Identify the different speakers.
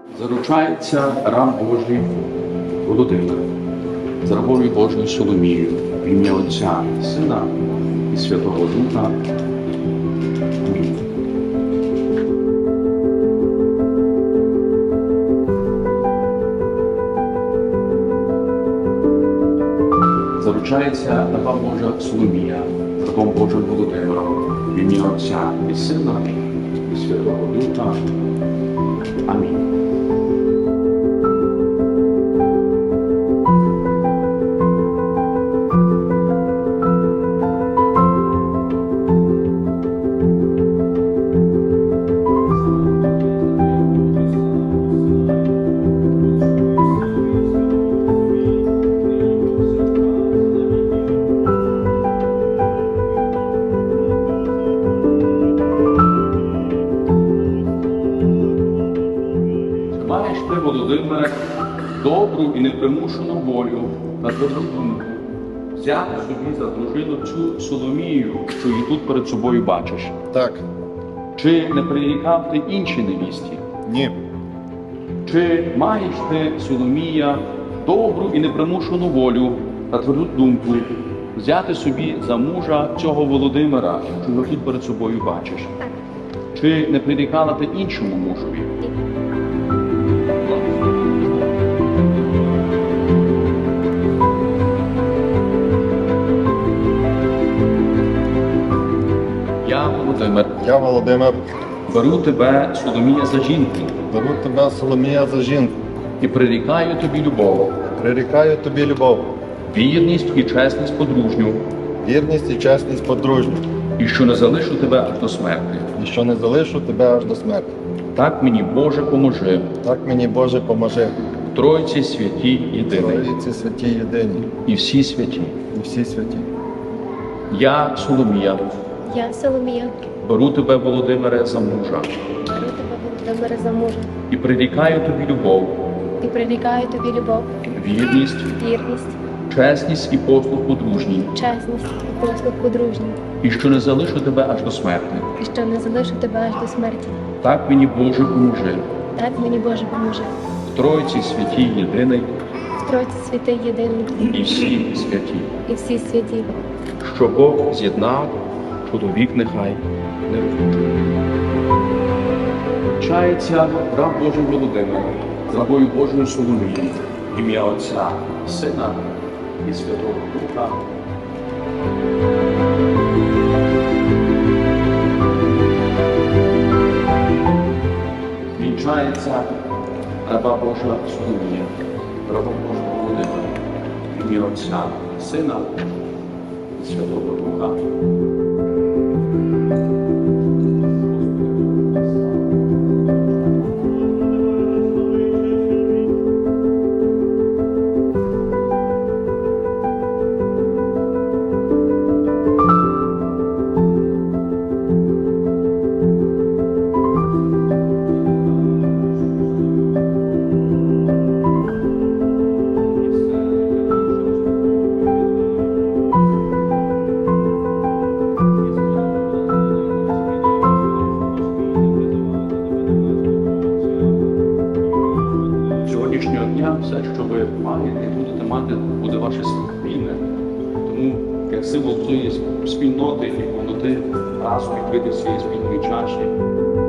Speaker 1: Заручається раб Божий Володимир з рабою Божою Соломією в ім'я Отця, Сина і Святого Духа. Амінь. Заручається раба Божа Соломія з рабом Божим Володимиром в ім'я Отця і Сина і Святого Духа. Амінь. Маєш ти, Володимире, добру і непримушену волю та тверду думку взяти собі за дружину цю Соломію, що її тут перед собою бачиш?
Speaker 2: Так.
Speaker 1: Чи не прирікав ти іншій невісті?
Speaker 2: Ні.
Speaker 1: Чи маєш ти, Соломія, добру і непримушену волю та тверду думку взяти собі за мужа цього Володимира, що його тут перед собою бачиш?
Speaker 3: Так.
Speaker 1: Чи не прирікала ти іншому мужові? Я, Володимир,
Speaker 2: Я, Володимир,
Speaker 1: беру тебе, Соломія, за жінку
Speaker 2: беру тебе, Соломія, за жінку.
Speaker 1: і прирікаю тобі любов,
Speaker 2: Прирікаю тобі любов,
Speaker 1: вірність і чесність подружню,
Speaker 2: вірність і чесність подружню,
Speaker 1: і що не залишу тебе аж до смерти.
Speaker 2: і що не залишу тебе аж до смерті.
Speaker 1: Так мені, Боже, поможи,
Speaker 2: Так мені, Боже, поможи.
Speaker 1: в Тройці святій єдиний,
Speaker 2: Тройці святі єдині
Speaker 1: і всі святі.
Speaker 2: і всі святі.
Speaker 1: Я, Соломія,
Speaker 3: Я, Соломія,
Speaker 1: беру тебе, Володимире, за мужа,
Speaker 3: беру тебе, Володимире, за мужа
Speaker 1: і прирікаю тобі любов,
Speaker 3: і прирікаю тобі любов,
Speaker 1: вірність,
Speaker 3: вірність,
Speaker 1: чесність і послуг подружній,
Speaker 3: чесність і послуг подружній,
Speaker 1: і що не залишу тебе аж до смерти.
Speaker 3: і що не залишу тебе аж до смерті.
Speaker 1: Так мені, Боже, поможи,
Speaker 3: Так мені, Боже, поможи.
Speaker 1: в Тройці святій єдиний,
Speaker 3: В Тройці святий єдиний
Speaker 1: і всі святі.
Speaker 3: і всі святі.
Speaker 1: Що Бог з'єднав, чоловік нехай не розлучує. Чається раб Божий Володимир з рабою Божою Соломією, в ім'я Отця, Сина і Святого Духа. Вінчається раба Божа Соломія, раба Божого Володимира, в ім'я Отця, Сина і Святого Духа. Сьогоднішнього дня все, що ви маєте і будете мати, буде ваше спільне. Тому як символ цієї спільноти і повноти разом відкрити всієї спільної чаші.